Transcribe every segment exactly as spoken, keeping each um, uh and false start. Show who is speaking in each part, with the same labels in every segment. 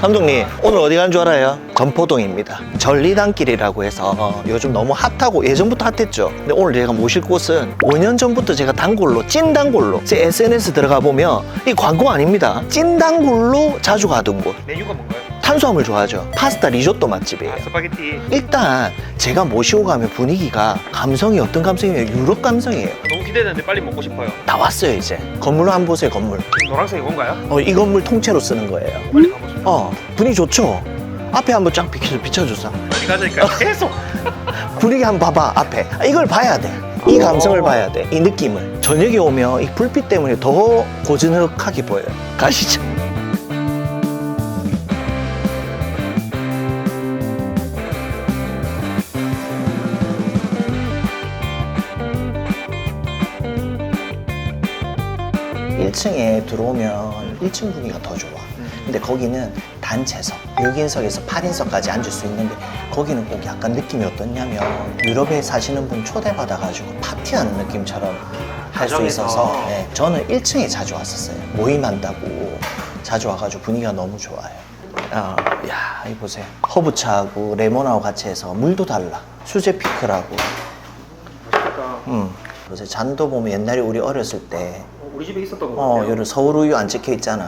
Speaker 1: 감독님 오늘 어디 간 줄 알아요? 전포동입니다. 전리단길이라고 해서 요즘 너무 핫하고 예전부터 핫했죠. 근데 오늘 제가 모실 곳은 오 년 전부터 제가 단골로 찐 단골로 제 에스엔에스 들어가 보면 이 광고 아닙니다. 찐 단골로 자주 가던 곳.
Speaker 2: 메뉴가 뭔가요?
Speaker 1: 탄수화물 좋아하죠. 파스타 리조또 맛집이에요.
Speaker 2: 아, 스파게티.
Speaker 1: 일단 제가 모시고 가면 분위기가 감성이 어떤 감성이에요? 유럽 감성이에요.
Speaker 2: 너무 기대되는데 빨리 먹고 싶어요.
Speaker 1: 다 왔어요 이제. 건물로 한번 보세요. 건물.
Speaker 2: 노란색이 뭔가요?
Speaker 1: 어, 이 건물 통째로 쓰는 거예요.
Speaker 2: 빨리 가보죠.
Speaker 1: 어, 분위기 좋죠? 앞에 한번 쫙 비춰, 비춰주자.
Speaker 2: 빨리 가자니까 계속.
Speaker 1: 분위기 한번 봐봐, 앞에. 아, 이걸 봐야 돼. 이 감성을 봐야 돼. 이 느낌을. 저녁에 오면 이 불빛 때문에 더 고즈넉하게 보여요. 가시죠. 일 층에 들어오면 일 층 분위기가 더 좋아. 근데 거기는 단체석, 육 인석에서 팔 인석까지 앉을 수 있는데 거기는 꼭 약간 느낌이 어떻냐면 유럽에 사시는 분 초대받아가지고 파티하는 느낌처럼 할 수
Speaker 2: 가정에서.
Speaker 1: 있어서 네, 저는 일 층에 자주 왔었어요. 모임한다고 자주 와가지고 분위기가 너무 좋아요. 어, 야, 이 보세요. 허브차하고 레몬하고 같이 해서 물도 달라. 수제 피클하고.
Speaker 2: 맛있겠다.
Speaker 1: 음. 그래서 잔도 보면 옛날에 우리 어렸을 때
Speaker 2: 어, 우리 집에 있었던 거
Speaker 1: 어,
Speaker 2: 같아요.
Speaker 1: 여기 서울우유 안 찍혀 있잖아.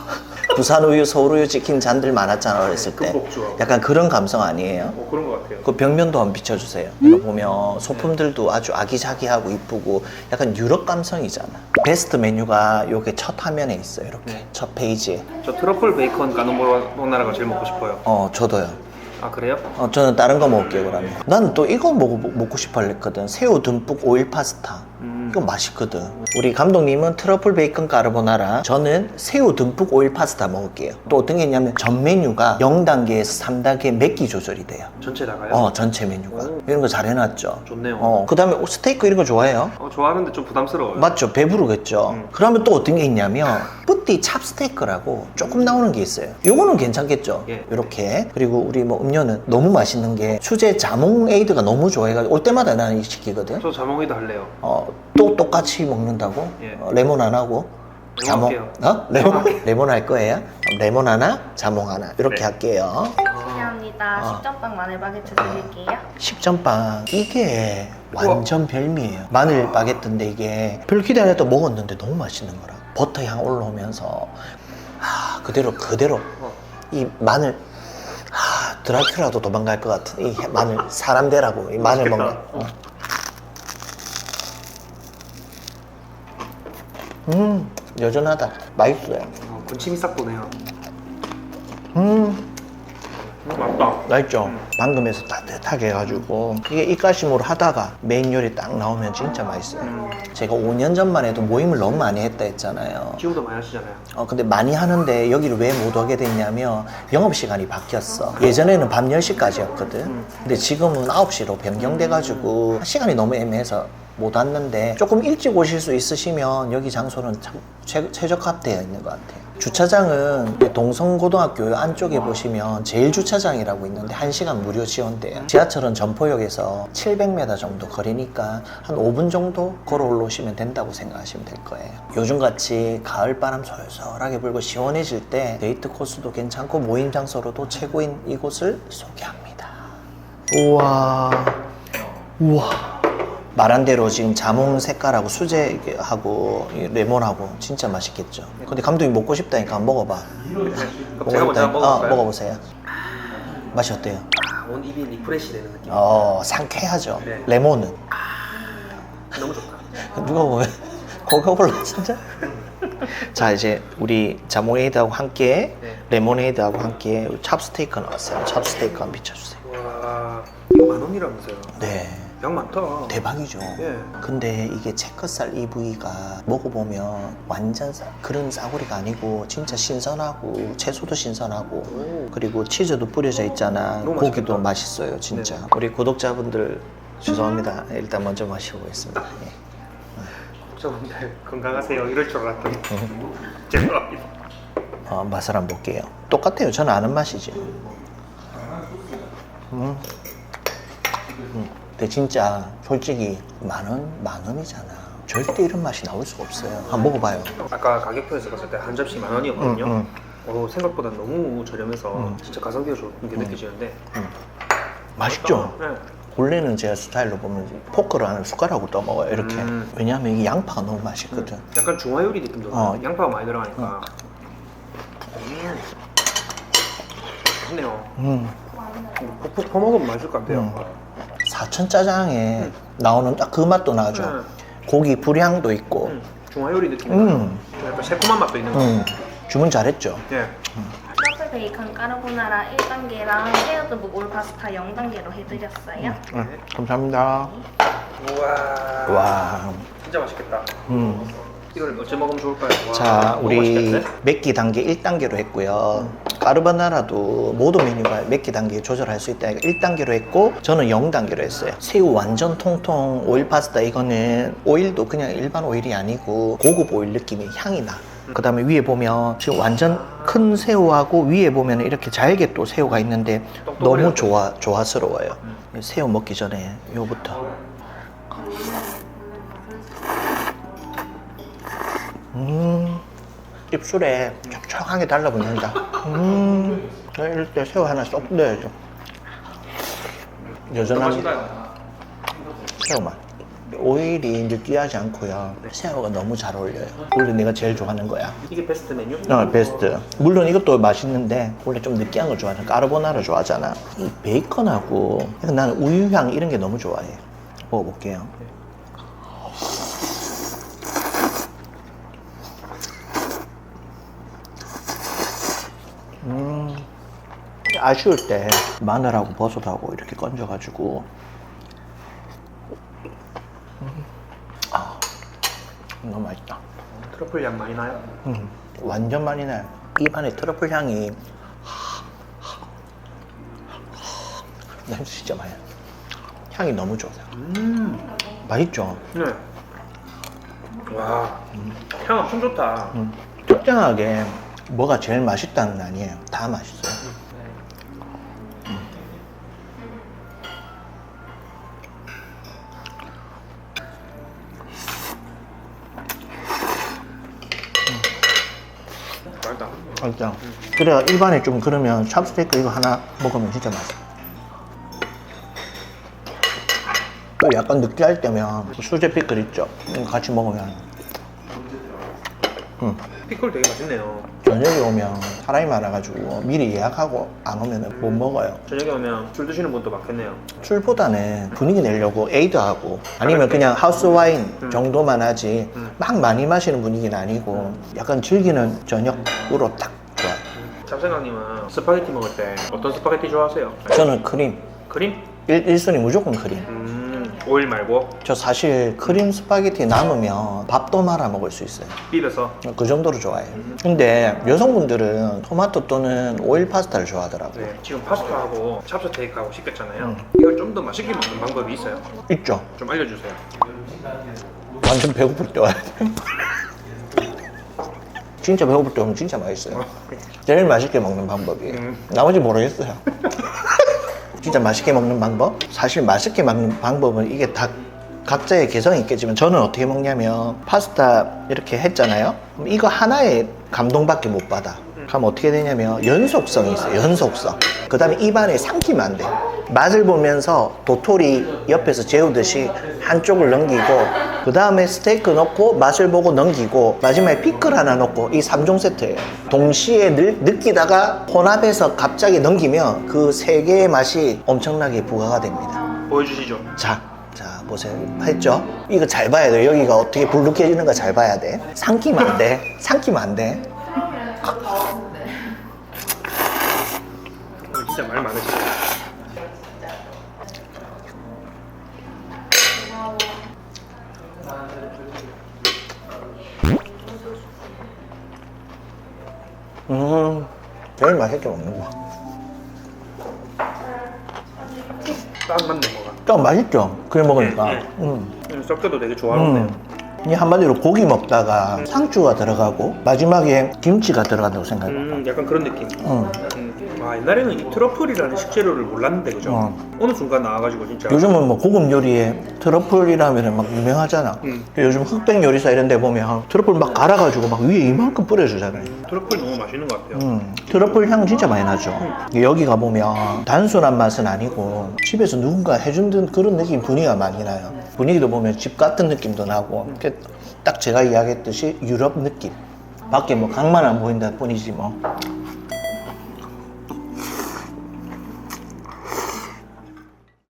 Speaker 1: 부산우유, 서울우유 찍힌 잔들 많았잖아, 어렸을 때.
Speaker 2: 금복주하고.
Speaker 1: 약간 그런 감성 아니에요?
Speaker 2: 어, 그런 거 같아요.
Speaker 1: 그 벽면도 한번 비춰주세요. 이거 보면 소품들도 아주 아기자기하고 이쁘고 약간 유럽 감성이잖아. 베스트 메뉴가 요게 첫 화면에 있어요, 이렇게.
Speaker 2: 네.
Speaker 1: 첫 페이지에.
Speaker 2: 저 트러플 베이컨 까노보나라가 제일 먹고 싶어요.
Speaker 1: 어, 저도요.
Speaker 2: 아, 그래요?
Speaker 1: 어, 저는 다른 거 먹을게요, 그러면. 나는 또 이거 먹어, 먹고 싶어 했거든. 새우 듬뿍 오일 파스타.
Speaker 2: 음.
Speaker 1: 이거 맛있거든. 우리 감독님은 트러플 베이컨 까르보나라, 저는 새우 듬뿍 오일 파스타 먹을게요. 또 어떤 게 있냐면 전 메뉴가 영 단계에서 삼 단계 맵기 조절이 돼요.
Speaker 2: 전체 나가요?
Speaker 1: 어, 전체 메뉴가.
Speaker 2: 오.
Speaker 1: 이런 거 잘 해놨죠.
Speaker 2: 좋네요.
Speaker 1: 어, 그 다음에 스테이크 이런 거 좋아해요?
Speaker 2: 어, 좋아하는데 좀 부담스러워요.
Speaker 1: 맞죠? 배부르겠죠?
Speaker 2: 음.
Speaker 1: 그러면 또 어떤 게 있냐면 뿌띠 찹스테이크라고 조금 나오는 게 있어요. 요거는 괜찮겠죠?
Speaker 2: 예.
Speaker 1: 이렇게. 그리고 우리 뭐 음료는 너무 맛있는 게 수제 자몽 에이드가 너무 좋아해가지고 올 때마다 나는 이거 시키거든.
Speaker 2: 저 자몽이도 할래요.
Speaker 1: 어, 또 똑같이 먹는다고?
Speaker 2: 예.
Speaker 1: 어, 레몬 안 하고?
Speaker 2: 레몬
Speaker 1: 자몽?
Speaker 2: 할게요.
Speaker 1: 어? 레몬? 레몬 할 거예요? 그럼 레몬 하나, 자몽 하나. 이렇게
Speaker 2: 네.
Speaker 1: 할게요.
Speaker 3: 실례합니다.
Speaker 1: 어.
Speaker 3: 식전빵 마늘 바게트 드릴게요.
Speaker 1: 식전빵. 이게 완전 별미예요. 마늘 바게트인데 이게 별 기대 안 했다 먹었는데 너무 맛있는 거라. 버터 향 올라오면서 아, 그대로 그대로
Speaker 2: 어.
Speaker 1: 이 마늘 아, 드라큘라도 도망갈 것 같은 이 마늘 사람 되라고 이 마늘
Speaker 2: 맛있겠다.
Speaker 1: 먹는 어. 음 여전하다. 맛있어요.
Speaker 2: 어, 군침이 싹 도네요.
Speaker 1: 음
Speaker 2: 음, 맞다.
Speaker 1: 맛있죠?
Speaker 2: 음.
Speaker 1: 방금 해서 따뜻하게 해가지고 이게 입가심으로 하다가 메인 요리 딱 나오면 진짜 맛있어요.
Speaker 2: 음.
Speaker 1: 제가 오 년 전만 해도 모임을 너무 많이 했다 했잖아요.
Speaker 2: 지금도 많이 하시잖아요.
Speaker 1: 어, 근데 많이 하는데 여기를 왜 못 오게 됐냐면 영업시간이 바뀌었어. 예전에는 밤 열 시까지였거든.
Speaker 2: 음.
Speaker 1: 근데 지금은 아홉 시로 변경돼가지고 시간이 너무 애매해서 못 왔는데 조금 일찍 오실 수 있으시면 여기 장소는 참 최, 최적화되어 있는 것 같아요. 주차장은 동성고등학교 안쪽에 보시면 제일주차장이라고 있는데 한 시간 무료 지원돼요. 지하철은 전포역에서 칠백 미터 정도 거리니까 한 오 분 정도 걸어 올라오시면 된다고 생각하시면 될 거예요. 요즘같이 가을바람 솔솔하게 불고 시원해질 때 데이트 코스도 괜찮고 모임 장소로도 최고인 이곳을 소개합니다. 우와 우와 말한 대로 지금 자몽 색깔하고 수제하고 이 레몬하고 진짜 맛있겠죠. 근데 감독님 먹고 싶다니까 한번 먹어봐.
Speaker 2: 그럼
Speaker 1: 먹고
Speaker 2: 제가 먼저
Speaker 1: 싶다니까.
Speaker 2: 한번
Speaker 1: 어,
Speaker 2: 먹어볼까요?
Speaker 1: 먹어보세요. 맛이 어때요?
Speaker 2: 아, 온 입이 리프레시 되는 느낌.
Speaker 1: 어, 상쾌하죠.
Speaker 2: 네.
Speaker 1: 레몬은
Speaker 2: 너무 좋다.
Speaker 1: 누가 보면 거가 올라 진짜. 자 이제 우리 자몽에이드하고 함께
Speaker 2: 네.
Speaker 1: 레모네이드하고 함께 찹스테이크 나왔어요. 찹스테이크 한번 비춰주세요.
Speaker 2: 와, 이거 만 원이라면서요.
Speaker 1: 네.
Speaker 2: 양 많다.
Speaker 1: 대박이죠.
Speaker 2: 예.
Speaker 1: 근데 이게 체크살 이 부위가 먹어보면 완전 싸, 그런 싸구리가 아니고 진짜 신선하고 채소도 신선하고
Speaker 2: 오.
Speaker 1: 그리고 치즈도 뿌려져 있잖아.
Speaker 2: 너무
Speaker 1: 고기도
Speaker 2: 맛있겠다.
Speaker 1: 맛있어요 진짜.
Speaker 2: 네.
Speaker 1: 우리 구독자분들 죄송합니다. 일단 먼저 마셔보겠습니다. 예.
Speaker 2: 구독자분들 건강하세요. 이럴 줄 알았더니 죄송합니다.
Speaker 1: 어, 맛을 한번 볼게요. 똑같아요. 저는 아는 맛이지. 음. 음. 근데 진짜 솔직히 만 원, 만 원이잖아. 절대 이런 맛이 나올 수가 없어요. 한번 먹어봐요.
Speaker 2: 아까 가격표에서 봤을 때 한 접시 만 원이었거든요.
Speaker 1: 음, 음.
Speaker 2: 어, 생각보다 너무 저렴해서
Speaker 1: 음.
Speaker 2: 진짜 가성비가 좋은 게 느껴지는데.
Speaker 1: 맛있죠?
Speaker 2: 네.
Speaker 1: 원래는 제 스타일로 보면 포크를 안에 숟가락으로 떠먹어요 이렇게.
Speaker 2: 음.
Speaker 1: 왜냐하면 이게 양파가 너무 맛있거든.
Speaker 2: 약간 중화 요리 느낌도
Speaker 1: 어.
Speaker 2: 나요. 양파가 많이 들어가니까. 음. 맛있네요.
Speaker 1: 음.
Speaker 2: 푹푹 퍼먹으면 맛있을 것 같아요.
Speaker 1: 음. 사천 짜장에
Speaker 2: 음.
Speaker 1: 나오는 딱 그 맛도 나죠.
Speaker 2: 음.
Speaker 1: 고기 불향도 있고.
Speaker 2: 음. 중화 요리 느낌.
Speaker 1: 음.
Speaker 2: 약간 새콤한 맛도 있는 거.
Speaker 1: 음. 주문 잘했죠?
Speaker 2: 예.
Speaker 3: 서브 베이컨 까르보나라 일 단계랑 헤어드북 올 파스타 영 단계로 해드렸어요.
Speaker 1: 네. 감사합니다.
Speaker 2: 우와.
Speaker 1: 와.
Speaker 2: 진짜 맛있겠다.
Speaker 1: 음.
Speaker 2: 이걸 어째 먹으면 좋을까요? 와,
Speaker 1: 자,
Speaker 2: 너무
Speaker 1: 우리
Speaker 2: 맛있겠는데?
Speaker 1: 맵기 단계 일 단계로 했고요. 까르보나라도 모든 메뉴가 맵기 단계 조절할 수 있다. 일 단계로 했고, 저는 영 단계로 했어요. 새우 완전 통통 오일 파스타, 이거는 오일도 그냥 일반 오일이 아니고 고급 오일 느낌의 향이 나. 그 다음에 위에 보면 지금 완전 큰 새우하고 위에 보면 이렇게 잘게 또 새우가 있는데 너무 좋아, 좋아스러워요. 새우 먹기 전에 요부터. 음, 입술에 촉촉하게 달라붙는다. 음, 이럴 때 새우 하나 쏙 넣어야죠. 여전한
Speaker 2: 맛있나요?
Speaker 1: 새우 맛. 오일이 느끼하지 않고요. 새우가 너무 잘 어울려요. 원래 내가 제일 좋아하는 거야.
Speaker 2: 이게 베스트 메뉴?
Speaker 1: 어, 베스트. 물론 이것도 맛있는데 원래 좀 느끼한 거 좋아하잖아. 까르보나라 좋아하잖아. 이 베이컨하고 나는 우유향 이런 게 너무 좋아해. 먹어볼게요. 음, 아쉬울 때 마늘하고 버섯하고 이렇게 건져가지고 음, 아, 너무 맛있다.
Speaker 2: 트러플 향 많이 나요?
Speaker 1: 음, 완전 많이 나요. 입안에 트러플 향이 냄새 진짜 많이 나요. 향이 너무 좋아요.
Speaker 2: 음.
Speaker 1: 맛있죠?
Speaker 2: 네. 와. 향 엄청 좋다.
Speaker 1: 음, 특정하게 뭐가 제일 맛있다는 아니에요. 다 맛있어요.
Speaker 2: 맛있다.
Speaker 1: 진짜. 그래야 일반에 좀 그러면 찹스테이크 이거 하나 먹으면 진짜 맛있어. 또 약간 느끼할 때면 수제 피클 있죠? 이거 같이 먹으면 음,
Speaker 2: 피클 되게 맛있네요.
Speaker 1: 저녁에 오면 사람이 많아가지고 미리 예약하고 안 오면 못 먹어요.
Speaker 2: 저녁에 오면 술 드시는 분도 많겠네요.
Speaker 1: 술보다는 분위기 내려고 에이드하고 아니면 그냥 하우스 와인 정도만 하지 막 많이 마시는 분위기는 아니고 약간 즐기는 저녁으로 딱 좋아요.
Speaker 2: 잡생각님은 스파게티 먹을 때 어떤 스파게티 좋아하세요?
Speaker 1: 저는 크림
Speaker 2: 크림?
Speaker 1: 일, 일순위 무조건 크림.
Speaker 2: 음, 오일 말고
Speaker 1: 저 사실 크림 스파게티 남으면 밥도 말아 먹을 수 있어요.
Speaker 2: 비벼서.
Speaker 1: 그 정도로 좋아해요. 근데 여성분들은 토마토 또는 오일 파스타를 좋아하더라고요.
Speaker 2: 네, 지금 파스타하고 찹스테이크하고 시켰잖아요.
Speaker 1: 음.
Speaker 2: 이걸 좀 더 맛있게 먹는 방법이 있어요?
Speaker 1: 있죠?
Speaker 2: 좀 알려주세요.
Speaker 1: 완전 배고플 때 와야 돼요. 진짜 배고플 때 오면 진짜 맛있어요. 제일 맛있게 먹는 방법이에요.
Speaker 2: 음.
Speaker 1: 나머지 모르겠어요. 진짜 맛있게 먹는 방법? 사실 맛있게 먹는 방법은 이게 다 각자의 개성이 있겠지만 저는 어떻게 먹냐면 파스타 이렇게 했잖아요. 그럼 이거 하나에 감동밖에 못 받아. 그럼 어떻게 되냐면 연속성이 있어요. 연속성. 그 다음에 입안에 삼키면 안 돼. 맛을 보면서 도토리 옆에서 재우듯이 한쪽을 넘기고 그 다음에 스테이크 넣고 맛을 보고 넘기고 마지막에 피클 하나 넣고 이 삼 종 세트예요. 동시에 느, 느끼다가 혼합해서 갑자기 넘기면 그 세 개의 맛이 엄청나게 부과가 됩니다.
Speaker 2: 보여주시죠.
Speaker 1: 자, 자 보세요. 했죠? 이거 잘 봐야 돼. 여기가 어떻게 불룩해지는 거 잘 봐야 돼. 삼키면 안 돼. 삼키면 안 돼.
Speaker 2: 오늘 진짜 말 많으시죠?
Speaker 1: 음, 제일 맛있게 먹는 거.
Speaker 2: 딱 맞네 뭐가.
Speaker 1: 좀 맛있죠? 그래 먹으니까.
Speaker 2: 네, 네.
Speaker 1: 음.
Speaker 2: 섞여도 되게 조화롭네요.
Speaker 1: 음. 이 한마디로 고기 먹다가 상추가 들어가고 마지막에 김치가 들어간다고 생각해요.
Speaker 2: 음, 약간 그런 느낌.
Speaker 1: 음.
Speaker 2: 음. 와, 아 옛날에는 이 트러플이라는 식재료를 몰랐는데 그죠?
Speaker 1: 어.
Speaker 2: 어느 순간 나와가지고 진짜
Speaker 1: 요즘은 뭐 고급 요리에 트러플이라면 막 유명하잖아.
Speaker 2: 음.
Speaker 1: 요즘 흑백 요리사 이런 데 보면 트러플 막 갈아가지고 막 위에 이만큼 뿌려주잖아요.
Speaker 2: 트러플 너무 맛있는 것 같아요.
Speaker 1: 음, 트러플 향 진짜 많이 나죠. 여기 가보면 단순한 맛은 아니고 집에서 누군가 해준 듯 그런 느낌 분위기가 많이 나요. 분위기도 보면 집 같은 느낌도 나고 이렇게 딱 제가 이야기했듯이 유럽 느낌. 밖에 뭐 강만 안 보인다 뿐이지 뭐